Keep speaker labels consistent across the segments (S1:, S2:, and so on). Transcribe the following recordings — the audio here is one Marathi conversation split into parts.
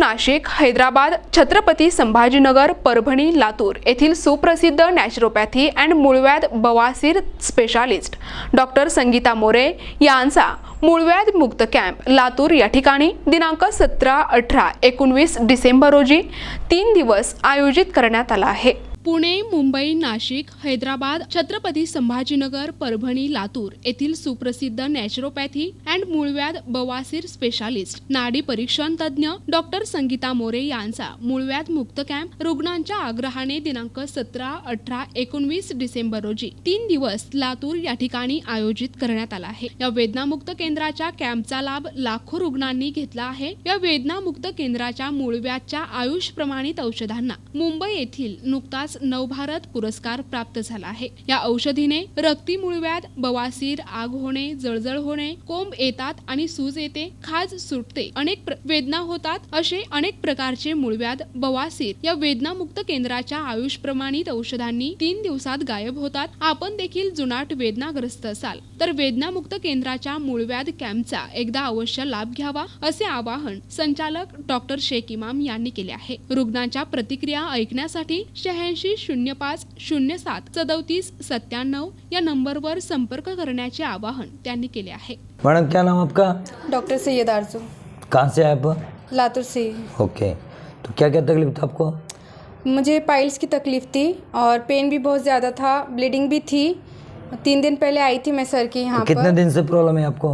S1: नाशिक, हैदराबाद, छत्रपती संभाजीनगर, परभणी, लातूर येथील सुप्रसिद्ध नॅचरोपॅथी अँड मूळव्याध बवासीर स्पेशालिस्ट डॉक्टर संगीता मोरे यांचा मूळव्याध मुक्त कॅम्प लातूर या ठिकाणी दिनांक 17, 18, 19 डिसेंबर रोजी 3 दिवस आयोजित करण्यात आला आहे। पुणे, मुंबई, नाशिक, हैदराबाद, छत्रपती संभाजीनगर, परभणी, लातूर येथील सुप्रसिद्ध नॅचरोपॅथी अँड मूळव्याध बवासीर स्पेशालिस्ट नाडी परीक्षण तज्ञ डॉक्टर संगीता मोरे यांचा मूळव्याध मुक्त कॅम्प रुग्णांच्या आग्रहाने दिनांक 17, 18, 19 डिसेंबर रोजी 3 दिवस लातूर या ठिकाणी आयोजित करण्यात आला आहे। या वेदनामुक्त केंद्राच्या कॅम्पचा लाभ लाखो रुग्णांनी घेतला आहे। या वेदनामुक्त केंद्राच्या मूळव्याधच्या आयुष प्रमाणित औषधांना मुंबई येथील नुकताच नवभारत पुरस्कार प्राप्त झाला आहे। या औषधीने रक्ती मूळव्याध, बवासीर, आग होणे, जळजळ होणे, कोंब येतात आणि सूज येते, खाज सुटते, अनेक वेदना होतात असे अनेक प्रकारचे मूळव्याध बवासीर या वेदनामुक्त केंद्राच्या आयुष प्रमाणित औषधांनी 3 दिवसात गायब होतात। आपण देखील जुनाट वेदनाग्रस्त असाल तर वेदनामुक्त केंद्राच्या मूळव्याध कॅम्पचा एकदा अवश्य लाभ घ्यावा असे आवाहन संचालक डॉक्टर शेख इमाम यांनी केले आहे। रुग्णांच्या प्रतिक्रिया ऐकण्यासाठी 8605 07 34 97 या नंबरवर संपर्क करण्याचे आवाहन त्यांनी केले आहे।
S2: मैडम क्या नाम आपका?
S3: डॉक्टर सैयद आरजू।
S2: कहाँ से आए आप?
S3: लातूर से।
S2: ओके, तो क्या क्या तकलीफ था आपको?
S3: मुझे पाइल्स की तकलीफ़ थी और पेन भी बहुत ज़्यादा था, ब्लीडिंग भी थी। 3 दिन पहले आई थी मैं सर के यहाँ पर।
S2: कितने दिन से प्रॉब्लम है आपको?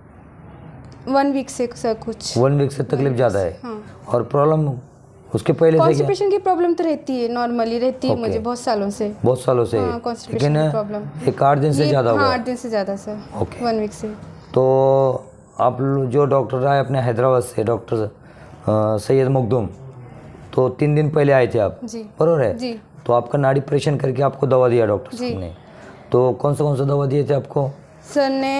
S3: 1 वीक से सर कुछ।
S2: 1 वीक से तकलीफ ज़्यादा है।
S3: हाँ।
S2: और प्रॉब्लम उसके पहले से क्या?
S3: कॉन्स्टिपेशन की प्रॉब्लम तो रहती है, नॉर्मली रहती है मुझे बहुत सालों से।
S2: बहुत सालों से?
S3: हाँ, कॉन्स्टिपेशन की प्रॉब्लम।
S2: एक 8 दिन से ज़्यादा हुआ?
S3: हाँ, 8 दिन से ज़्यादा सर।
S2: ओके।
S3: 1 वीक से।
S2: तो आप जो डॉक्टर आए अपने हैदराबाद से, डॉक्टर सैयद मखदूम, तो 3 दिन पहले आए थे आप?
S3: जी।
S2: बरोबर है?
S3: जी।
S2: तो आपका नाड़ी परीक्षण करके आपको दवा दिया डॉक्टर साहब ने। तो कौन सा दवा दिए थे आपको?
S3: सर ने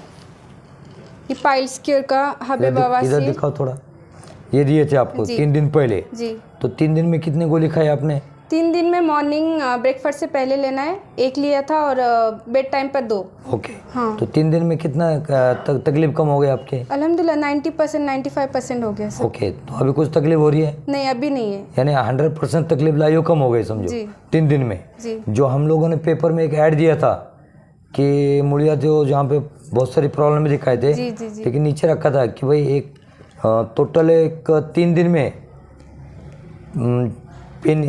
S3: ये पाइल्स क्योर का हबे
S2: इधर
S3: बवासीर।
S2: दिखाओ थोड़ा। ये दिए थे आपको 3 दिन पहले?
S3: जी।
S2: तो 3 दिन में कितनी गोली खाई आपने?
S3: 3 दिन में मॉर्निंग ब्रेकफास्ट से पहले लेना है, 1 लिया था और बेड टाइम पर 2।
S2: ओके।
S3: हाँ।
S2: तो 3 दिन में कितना तकलीफ कम हो गई आपके?
S3: अल्हम्दुलिल्लाह 90% 95% हो गया सर।
S2: ओके, तो अभी कुछ तकलीफ हो रही है?
S3: नहीं, अभी नहीं है।
S2: यानी 100% तकलीफ लाइयो कम हो गई समझो
S3: जी।
S2: 3 दिन में।
S3: जी।
S2: जो हम लोगों ने पेपर में एक ऐड दिया था कि मूलिया जो जहाँ पे बहुत सारी प्रॉब्लम दिखाए थे,
S3: जी जी जी।
S2: लेकिन नीचे रखा था कि भाई एक टोटल एक 3 दिन में पेन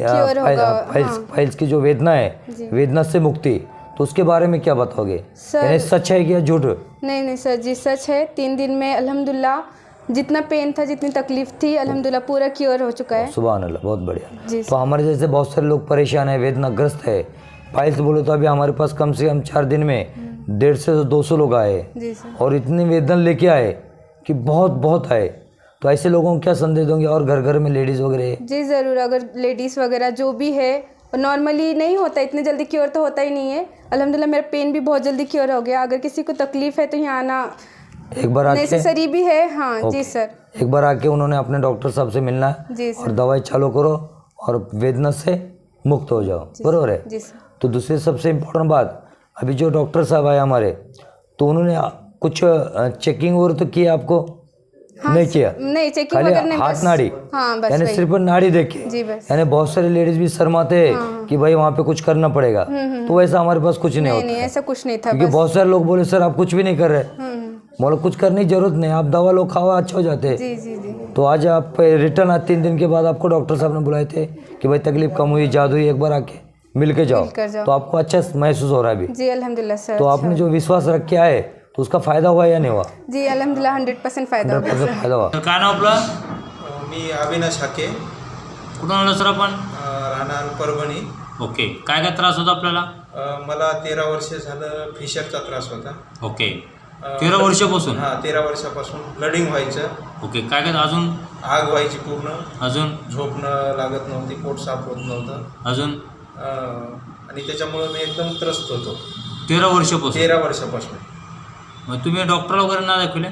S2: फाइल्स की जो वेदना है, वेदना से मुक्ति, तो उसके बारे में क्या बताओगे? यानी सच है कि झूठ?
S3: नहीं सर जी, सच है। 3 दिन में अल्हम्दुलिल्लाह जितना पेन था, जितनी तकलीफ थी, अल्हम्दुलिल्लाह पूरा क्योर हो चुका है।
S2: सुभान अल्लाह, बहुत बढ़िया।
S3: जी।
S2: तो हमारे जैसे बहुत सारे लोग परेशान है, वेदनाग्रस्त है, फाइल्स बोलो तो अभी हमारे पास कम से कम 4 दिन में 150 से 200 लोग आए
S3: जी सर।
S2: और इतनी वेदना लेके आए कि बहुत आए। तो ऐसे लोगों को क्या संदेश दोगे? और घर में लेडीज़ वगैरह?
S3: जी ज़रूर, अगर लेडीज़ वगैरह जो भी है, नॉर्मली नहीं होता, इतने जल्दी क्योर तो होता ही नहीं है। अल्हम्दुलिल्लाह मेरा पेन भी बहुत जल्दी क्योर हो गया। अगर किसी को तकलीफ़ है तो यहाँ आना
S2: एक बार आके
S3: नेसेसरी भी है। हाँ जी सर।
S2: एक बार आके उन्होंने अपने डॉक्टर साहब से मिलना है
S3: जी सर।
S2: और दवाई चालू करो और वेदना से मुक्त हो जाओ, बरोबर है?
S3: जी सर।
S2: तो दूसरी सबसे इम्पोर्टेंट बात, अभी जो डॉक्टर साहब आए हमारे, तो उन्होंने कुछ चेकिंग और तो किया आपको?
S3: हाँ,
S2: नहीं किया?
S3: नहीं, चेकिंग
S2: खाली
S3: वगैरह नहीं,
S2: हाथ
S3: बस।
S2: नाड़ी?
S3: हाँ बस
S2: यानी
S3: वही।
S2: सिर्फ नाड़ी देखे?
S3: जी बस।
S2: यानी बहुत सारी लेडीज भी शर्माते हैं कि भाई वहाँ पे कुछ करना पड़ेगा, तो वैसा हमारे पास कुछ नहीं होता
S3: नहीं,
S2: है।
S3: ऐसा कुछ नहीं था।
S2: क्योंकि बहुत सारे लोग बोले सर आप कुछ भी नहीं कर रहे। बोलो कुछ करने की जरूरत नहीं, आप दवा लो, खाओ, अच्छा हो जाते हैं।
S3: जी जी जी।
S2: तो आज आप रिटर्न आज 3 दिन के बाद आपको डॉक्टर साहब ने बुलाए थे कि भाई तकलीफ कम हुई, जादू हुई, एक बार आके मिल के जाओ। तो आपको अच्छा महसूस हो रहा है अभी?
S3: जी अल्हम्दुलिल्लाह सर।
S2: तो आपने जो विश्वास रख के आए तो उसका फायदा हुआ या नहीं हुआ?
S3: जी अल्हम्दुलिल्लाह 100% फायदा हो गया।
S2: 100% फायदा हुआ।
S4: काय नाव आपलं?
S5: मी अविनाश हाके,
S4: कुठून आलो सर आपण?
S5: राहणार परभणी।
S4: ओके, काय त्रास होता आपल्याला?
S5: मला 13 वर्ष झालं फिशरचा त्रास होता।
S4: ओके, 13 वर्षापासून?
S5: हां, 13 वर्षापासून ब्लडिंग व्हायचं।
S4: ओके, काय अजून?
S5: आग व्हायची पूर्ण,
S4: अजून?
S5: झोपणं लागत नव्हती, पोट साफ होत नव्हतं
S4: अजून?
S5: आणि त्याच्यामुळे मी एकदम त्रस्त होतो
S4: 13 वर्षापासून?
S5: 13 वर्षापासून।
S4: मग तुम्ही डॉक्टर वगैरे ना दाखवले?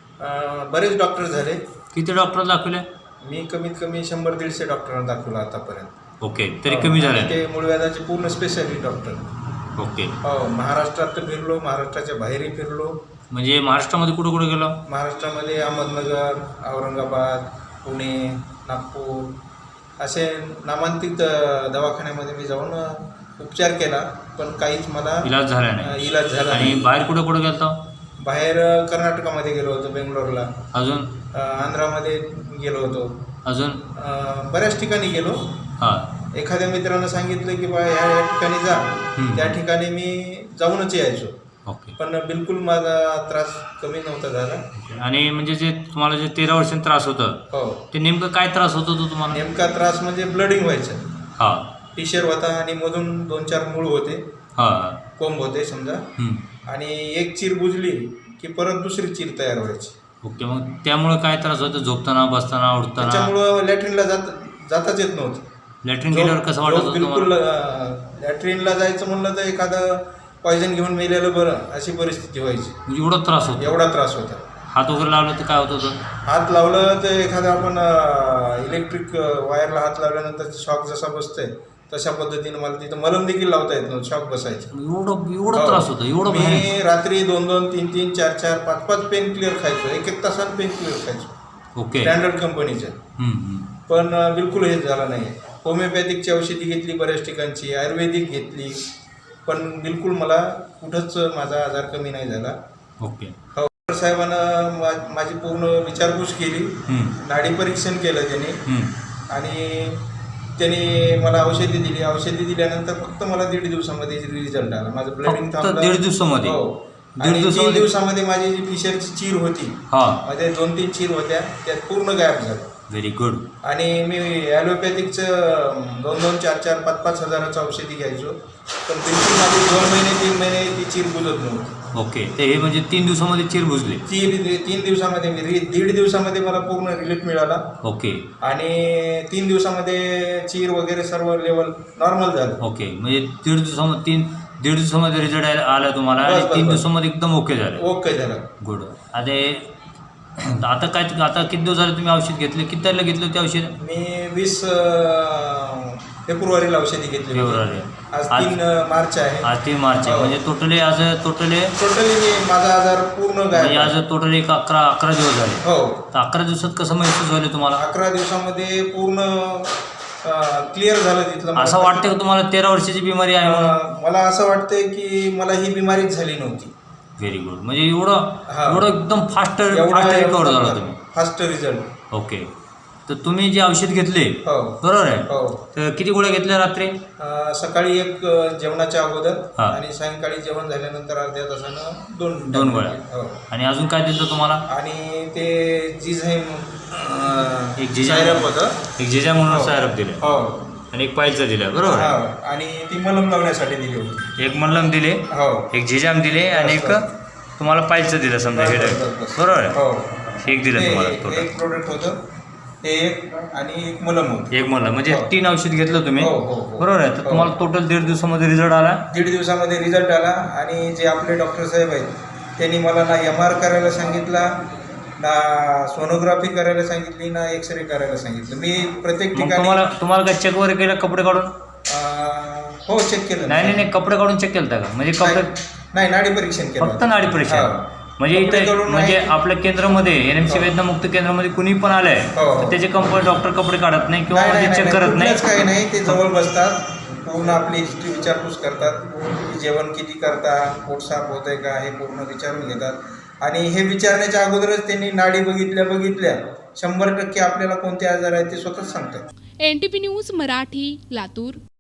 S5: बरेच डॉक्टर झाले।
S4: किती डॉक्टर दाखवले?
S5: मी कमीत कमी 100-150 डॉक्टरांना दाखवलं आतापर्यंत।
S4: ओके, तरी कमी झाले?
S5: ते मूळव्याधाचे पूर्ण स्पेशालिस्ट डॉक्टर।
S4: ओके।
S5: हो, महाराष्ट्रात तर फिरलो, महाराष्ट्राच्या बाहेरही फिरलो।
S4: म्हणजे महाराष्ट्रामध्ये कुठं कुठं गेलो?
S5: महाराष्ट्रामध्ये अहमदनगर, औरंगाबाद, पुणे, नागपूर असे नामांकित दवाखान्यामध्ये मी जाऊन उपचार केला, पण काहीच मला
S4: इलाज झाला नाही.
S5: इलाज झाला
S4: आणि
S5: नाही.
S4: बाहेर कुठं कुठं गेलतो?
S5: बाहेर कर्नाटकामध्ये गेलो होतो, बेंगलोरला,
S4: अजून
S5: आंध्रामध्ये गेलो होतो,
S4: अजून
S5: बऱ्याच ठिकाणी गेलो.
S4: हां.
S5: एखाद्या मित्रानं सांगितलं की बा या ठिकाणी जा, त्या ठिकाणी मी जाऊनच यायचो,
S4: ओके.
S5: पण बिलकुल माझा त्रास कमी नव्हता झाला.
S4: आणि म्हणजे जे तुम्हाला जे 13 वर्षांनी त्रास होतं
S5: हो,
S4: ते नेमकं काय त्रास होतो तो तुम्हाला?
S5: नेमका त्रास म्हणजे ब्लडिंग व्हायचं,
S4: हां
S5: टिशर होता आणि मधून 2-4 मूळ होते,
S4: हां.
S5: कोंब होते समजा, आणि एक चीर बुजली की परत दुसरी चीर तयार व्हायची.
S4: ओके. मग त्यामुळे काय त्रास होतो? झोपताना, बसताना, उठताना?
S5: त्याच्यामुळं लॅट्रिनला जाताच येत नव्हतं.
S4: लॅट्रिन गेल्यावर कसं वाटत होतं
S5: बिलकुल
S4: तुम्हाला?
S5: लॅट्रिनला जायचं म्हणलं तर एखादं पॉयझन घेऊन मेलेलं बरं, अशी परिस्थिती व्हायची.
S4: म्हणजे एवढा त्रास होतो?
S5: एवढा त्रास होता.
S4: हात वगैरे लावलं तर काय होत होतं?
S5: हात लावलं तर एखादं आपण इलेक्ट्रिक वायरला हात लावल्यानंतर शॉक जसा बसतोय तशा पद्धतीनं मला तिथं मलम देखील लावता येत नव्हतं, शॉक बसायचं.
S4: एवढा त्रास होतो? एवढं
S5: मी रात्री 2-2, 3-3, 4-4, 5-5 पेन क्लिअर खायचो, 1-1 तासानं पेन क्लिअर खायचो,
S4: ओके.
S5: स्टँडर्ड कंपनीचं. पण बिलकुल हे झालं नाही. होमिओपॅथिकची औषधी घेतली बऱ्याच ठिकाणची, आयुर्वेदिक घेतली, पण बिलकुल मला कुठंच माझा आजार कमी नाही झाला.
S4: ओके.
S5: डॉक्टर साहेबांना माझी पूर्ण विचारपूस केली, नाडी परीक्षण केलं त्यांनी, आणि त्यांनी मला औषधी दिली. औषधी दिल्यानंतर फक्त मला 1.5 दिवसामध्ये रिझल्ट आला. माझं ब्लडिंग थांबलं.
S4: 1.5 दिवसामध्ये?
S5: हो. आणि 3 दिवसामध्ये माझी जी फिशरची चीर होती, मध्ये 2-3 चीर होत्या, त्यात पूर्ण गायब झालं.
S4: Very good.
S5: आणि मी ॲलोपॅथिकचं 2-2, 4-4, 5-5 हजाराचं औषधी घ्यायचो, पण बिलकुल माझी 2 महिने 3 महिने ती चीर बुजत नव्हती.
S4: ओके. ते हे म्हणजे 3 दिवसामध्ये चीर बुजली? 3
S5: दिवसामध्ये मी 1.5 दिवसामध्ये मला पूर्ण रिलीफ मिळाला.
S4: ओके.
S5: आणि 3 दिवसामध्ये चीर वगैरे सर्व लेवल नॉर्मल झालं.
S4: ओके. म्हणजे 1.5 दिवसामध्ये रिझल्ट आला तुम्हाला, आणि 3 दिवसामध्ये एकदम ओके झालं?
S5: ओके झालं.
S4: गुड. आता किती दिवस झाले तुम्ही औषध घेतले? किती तारखेला घेतलं ते औषध?
S5: मी 20 फेब्रुवारीला औषधी घेतली.
S4: फेब्रुवारी.
S5: आज 3 मार्च आहे.
S4: आज 3 मार्च आहे. म्हणजे टोटली
S5: मी माझा आजार पूर्ण
S4: म्हणजे
S5: गायब.
S4: आज टोटली 11 दिवस झाले.
S5: हो.
S4: तर 11 दिवसात कसं महसूस झालं तुम्हाला?
S5: 11 दिवसामध्ये पूर्ण क्लिअर झालं तिथलं.
S4: असं वाटतं की तुम्हाला 13 वर्षाची बिमारी आहे म्हणून?
S5: मला असं वाटतंय की मला ही बिमारीच झाली नव्हती.
S4: Very good. म्हणजे एवढं एकदम फास्ट रिकवर झाला तुम्ही?
S5: Fast result.
S4: ओके. तर तुम्ही जे औषध घेतले,
S5: हो,
S4: बरोबर आहे,
S5: हो,
S4: तर किती गोळ्या घेतल्या रात्री?
S5: सकाळी 1 जेवणाच्या अगोदर,
S4: हा.
S5: आणि सायंकाळी जेवण झाल्यानंतर अर्ध्या तासानं 2
S4: गोळ्या.
S5: हो.
S4: आणि अजून काय दिलं तुम्हाला?
S5: आणि ते जिझाईम
S4: एक
S5: सायरप होतं.
S4: एक जिजा म्हणून सायरप दिले,
S5: हो,
S4: आणि एक पायचं दिलं, बरोबर
S5: हा,
S4: आहे.
S5: आणि ती मलम लावण्यासाठी दिली होती.
S4: एक मल्लम दिले,
S5: हो,
S4: एक झिजाम दिले, आणि एक तुम्हाला पायचं दिलं समजा, हे बरोबर आहे.
S5: हो,
S4: एक दिलं तुम्हाला
S5: ते
S4: टोटल?
S5: एक प्रोडक्ट होतं ते, एक आणि एक मलम होतं.
S4: एक मल्लम म्हणजे 3 औषध घेतलं तुम्ही,
S5: हो, हो, हो.
S4: बरोबर आहे. तर तुम्हाला टोटल 1.5 दिवसामध्ये रिझल्ट आला?
S5: 1.5 दिवसामध्ये रिझल्ट आला. आणि जे आपले डॉक्टर साहेब आहेत त्यांनी मला ना MR करायला सांगितला, ना सोनोग्राफी करायला सांगितली, ना एक्सरे करायला सांगितलं. मी प्रत्येक
S4: मग
S5: ठिकाणी
S4: तुम्हाला काय चेक वगैरे केलं कपडे काढून?
S5: हो, चेक केलं.
S4: नाही, कपडे काढून चेक केलं का? म्हणजे कपडे
S5: नाही, नाडी परीक्षण केलं.
S4: फक्त नाडी परीक्षण?
S5: हा.
S4: म्हणजे
S5: कपडे
S4: इथे
S5: काढून
S4: म्हणजे
S5: नाही.
S4: आपल्या केंद्रामध्ये NMC वेदनामुक्त केंद्रामध्ये कुणी पण आलंय
S5: हो.
S4: तर त्याचे कंपनी डॉक्टर कपडे काढत नाही किंवा
S5: नाही,
S4: म्हणजे चेक करत नाही?
S5: कुठलंच काही नाही. ते जवळ बसतात, पूर्ण आपली हिस्ट्री विचारपूस करतात, की जेवण किती करता, पोट साफ होत आहे का, हे पूर्ण विचारून घेतात. आणि हे विचारण्याच्या अगोदरच त्यांनी नाडी बघितल्या 100% आपल्याला कोणते आजार आहेत ते स्वतःच सांगतात.
S1: NTP news Marathi, Latur.